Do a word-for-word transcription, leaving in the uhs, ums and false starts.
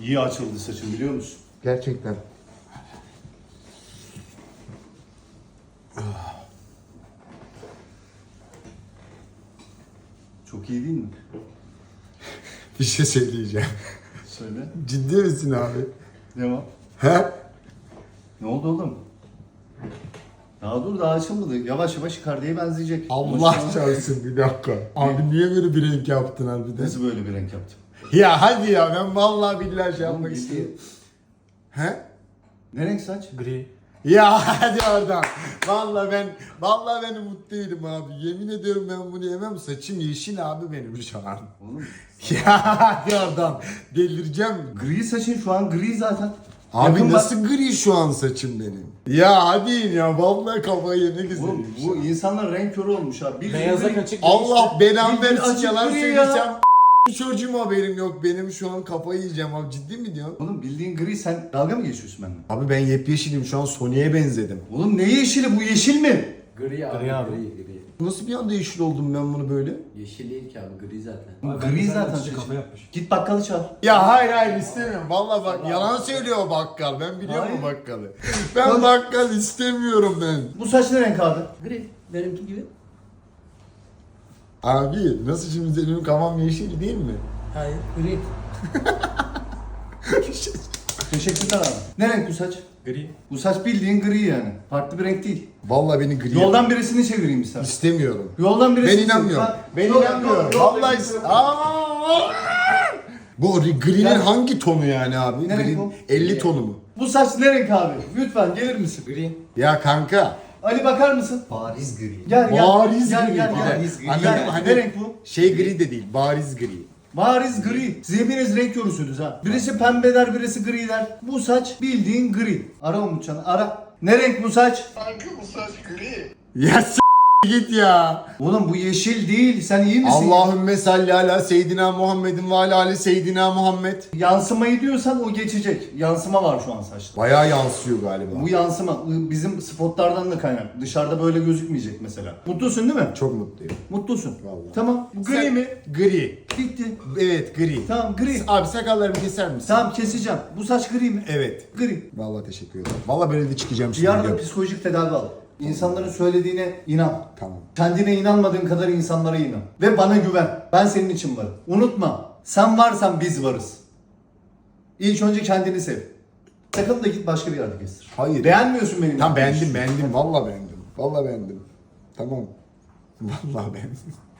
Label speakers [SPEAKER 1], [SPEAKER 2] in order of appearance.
[SPEAKER 1] İyi açıldı saçın biliyor musun?
[SPEAKER 2] Gerçekten.
[SPEAKER 1] Çok iyi değil mi?
[SPEAKER 2] Bir şey söyleyeceğim.
[SPEAKER 1] Söyle.
[SPEAKER 2] Ciddi misin abi?
[SPEAKER 1] Devam.
[SPEAKER 2] He?
[SPEAKER 1] Ne oldu oğlum? Daha dur daha açılmadı. Yavaş yavaş Icardi'ye benzeyecek.
[SPEAKER 2] Allah
[SPEAKER 1] Ama şu an-
[SPEAKER 2] çarpsın bir dakika. Abi niye böyle bir renk yaptın harbiden?
[SPEAKER 1] Nasıl böyle bir renk yaptım?
[SPEAKER 2] Ya hadi ya ben vallahi billahi şey yapmak
[SPEAKER 1] Oğlum,
[SPEAKER 2] istiyorum. He?
[SPEAKER 1] Ne renk saç?
[SPEAKER 3] Gri.
[SPEAKER 2] Ya hadi oradan. Vallahi ben vallahi ben umutluydum abi. Yemin ediyorum ben bunu yemem. Saçım yeşil abi benim şu an.
[SPEAKER 1] Oğlum.
[SPEAKER 2] Ya hadi oradan. Delireceğim.
[SPEAKER 1] Gri saçın şu an gri zaten.
[SPEAKER 2] Abi
[SPEAKER 1] Yakın bak-
[SPEAKER 2] nasıl gri şu an saçım benim? Ya hadi in ya vallahi kafayı yemek
[SPEAKER 1] Oğlum
[SPEAKER 2] istiyorum.
[SPEAKER 1] bu insanlar renk körü olmuş ha. Bir
[SPEAKER 3] Beyaza
[SPEAKER 1] bir-
[SPEAKER 3] kaçık.
[SPEAKER 2] Allah belamı
[SPEAKER 1] Bildiğin
[SPEAKER 2] versin
[SPEAKER 1] açık
[SPEAKER 2] yalan
[SPEAKER 1] gri ya.
[SPEAKER 2] söyleyeceğim. Çocuğum haberim yok benim şu an kafayı yiyeceğim abi ciddi mi diyorsun?
[SPEAKER 1] Oğlum bildiğin gri sen dalga mı geçiyorsun benimle?
[SPEAKER 2] Abi ben yepyeşilim şu an Sony'ye benzedim.
[SPEAKER 1] Oğlum ne yeşili bu yeşil mi?
[SPEAKER 4] Gri abi,
[SPEAKER 3] Gri abi.
[SPEAKER 4] gri, gri.
[SPEAKER 2] Nasıl bir anda yeşil oldum ben bunu böyle?
[SPEAKER 4] Yeşil değil ki abi, gri zaten.
[SPEAKER 1] Oğlum,
[SPEAKER 3] Abi ben
[SPEAKER 1] gri
[SPEAKER 3] de
[SPEAKER 1] zaten
[SPEAKER 3] sadece
[SPEAKER 1] saçın.
[SPEAKER 3] kafa yapmış.
[SPEAKER 1] Git bakkalı çağır.
[SPEAKER 2] Ya hayır hayır istemiyorum. Vallahi bak yalan söylüyor o bakkal. Ben biliyorum
[SPEAKER 1] Hayır.
[SPEAKER 2] o bakkalı. Ben bakkal istemiyorum ben.
[SPEAKER 1] Bu saç ne renk abi?
[SPEAKER 4] Gri, benimki gibi.
[SPEAKER 2] Abi nasıl şimdi benim kafam yeşil değil mi?
[SPEAKER 4] Hayır, gri.
[SPEAKER 1] Teşekkürler abi. Ne renk bu saç?
[SPEAKER 3] Gri.
[SPEAKER 1] Bu saç bildiğin gri yani. Farklı bir renk değil.
[SPEAKER 2] Vallahi beni gri.
[SPEAKER 1] Yoldan birisini çevireyim istersen.
[SPEAKER 2] istemiyorum.
[SPEAKER 1] Yoldan birisini
[SPEAKER 2] Ben inanmıyorum.
[SPEAKER 1] Ha,
[SPEAKER 2] Ben
[SPEAKER 1] yol-
[SPEAKER 2] inanmıyorum.
[SPEAKER 1] yol- yol-
[SPEAKER 2] Vallahi is- Aa! Bu gri'nin
[SPEAKER 1] Yani-
[SPEAKER 2] hangi tonu yani abi?
[SPEAKER 1] Ne renk
[SPEAKER 2] Green
[SPEAKER 1] bu?
[SPEAKER 2] elli tonu mu?
[SPEAKER 1] Bu saç ne renk abi? Lütfen gelir misin?
[SPEAKER 4] Gri.
[SPEAKER 2] Ya kanka.
[SPEAKER 1] Ali bakar mısın?
[SPEAKER 4] Bariz gri.
[SPEAKER 1] Gel gel.
[SPEAKER 2] Bariz
[SPEAKER 1] gel,
[SPEAKER 2] gri.
[SPEAKER 1] Gel gel
[SPEAKER 4] Bariz gri.
[SPEAKER 2] Anladım,
[SPEAKER 1] Gel.
[SPEAKER 2] hani
[SPEAKER 1] Ne renk bu?
[SPEAKER 2] Şey gri de değil, bariz gri.
[SPEAKER 1] Bariz gri. Siz hepiniz renk körüsünüz ha. Birisi pembe der, birisi gri der. Bu saç bildiğin gri. Ara Umutcan'ı ara. Ne renk bu saç?
[SPEAKER 5] Kanka bu saç gri.
[SPEAKER 2] Ya s- git ya.
[SPEAKER 1] Oğlum bu yeşil değil. Sen iyi misin?
[SPEAKER 2] Allahümme salli ala seyyidina Muhammedin ve ala ali seyyidina Muhammed.
[SPEAKER 1] Yansımayı diyorsan o geçecek. Yansıma var şu an saçta.
[SPEAKER 2] Bayağı yansıyor galiba.
[SPEAKER 1] Bu yansıma bizim spotlardan da kaynak. Dışarıda böyle gözükmeyecek mesela. Mutlusun değil mi?
[SPEAKER 2] Çok mutluyum.
[SPEAKER 1] Mutlusun.
[SPEAKER 2] Vallahi.
[SPEAKER 1] Tamam. Bu gri
[SPEAKER 2] Sen-
[SPEAKER 1] mi?
[SPEAKER 2] Gri.
[SPEAKER 1] Bitti.
[SPEAKER 2] Evet gri.
[SPEAKER 1] Tamam gri.
[SPEAKER 2] Abi sakallarımı keser misin?
[SPEAKER 1] Tamam keseceğim. Bu saç gri mi?
[SPEAKER 2] Evet.
[SPEAKER 1] Gri.
[SPEAKER 2] Vallahi teşekkür ederim. Vallahi böyle de çıkacağım şimdi.
[SPEAKER 1] Bir arada
[SPEAKER 2] biliyorum.
[SPEAKER 1] psikolojik tedavi al. İnsanların söylediğine inan.
[SPEAKER 2] Tamam.
[SPEAKER 1] Kendine inanmadığın kadar insanlara inan. Ve bana güven. Ben senin için varım. Unutma. Sen varsan biz varız. İlk önce kendini sev. Sakın da git başka bir yerde kestir.
[SPEAKER 2] Hayır.
[SPEAKER 1] Beğenmiyorsun benim.
[SPEAKER 2] Tamam
[SPEAKER 1] yaptığım
[SPEAKER 2] beğendim
[SPEAKER 1] işi.
[SPEAKER 2] beğendim. Vallahi beğendim. Vallahi beğendim. Tamam. Vallahi beğendim.